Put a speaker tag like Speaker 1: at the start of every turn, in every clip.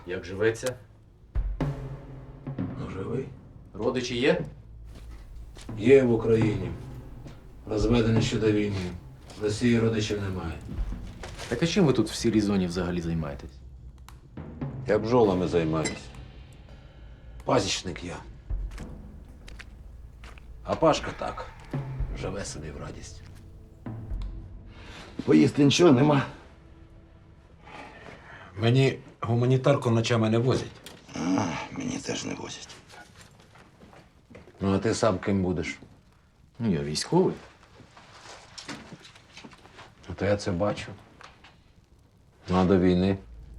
Speaker 1: Як живеться?
Speaker 2: Ну, живий.
Speaker 1: Родичі є?
Speaker 2: Є в Україні. Розведені ще до війни. В Росії родичів немає.
Speaker 1: Так а чим ви тут в сірій зоні взагалі займаєтесь?
Speaker 2: Я бджолами займаюсь. Пасічник я. А Пашка так. Живе собі в радість.
Speaker 3: Поїсти нічого нема.
Speaker 2: Мені гуманітарку ночами не возять.
Speaker 3: Мені теж не возять.
Speaker 2: Ну, а ти сам ким будеш?
Speaker 1: Ну, я військовий.
Speaker 2: А то я це бачу. Ну, а до війни.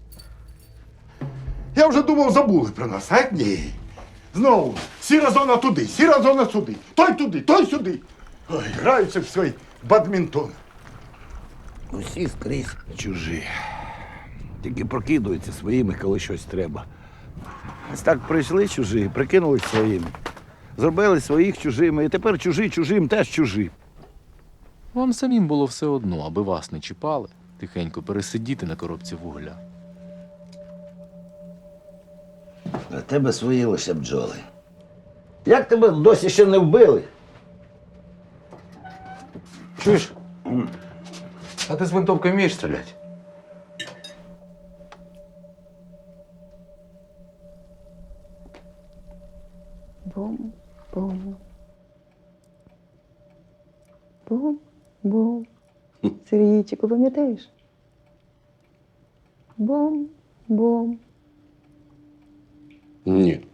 Speaker 4: Я вже думав, забули про нас, а ні. Знову сіра зона туди, сіра зона сюди. Той туди, той сюди. Ой, граються в свій бадмінтон.
Speaker 3: Усі скрізь чужі. Тільки прокидуються своїми, коли щось треба. Ось так прийшли чужі, прикинулись своїми. Зробили своїх чужими, і тепер чужі чужим теж чужі.
Speaker 1: Вам самим було все одно, аби вас не чіпали, тихенько пересидіти на коробці вугля.
Speaker 3: А тебе свої лише бджоли. Як тебе досі ще не вбили?
Speaker 2: Чуєш? А ти з винтовки вмієш стріляти?
Speaker 5: Бум-бум. Бум-бум. Сергійчику, пам'ятаєш? Бум-бум.
Speaker 2: Ні.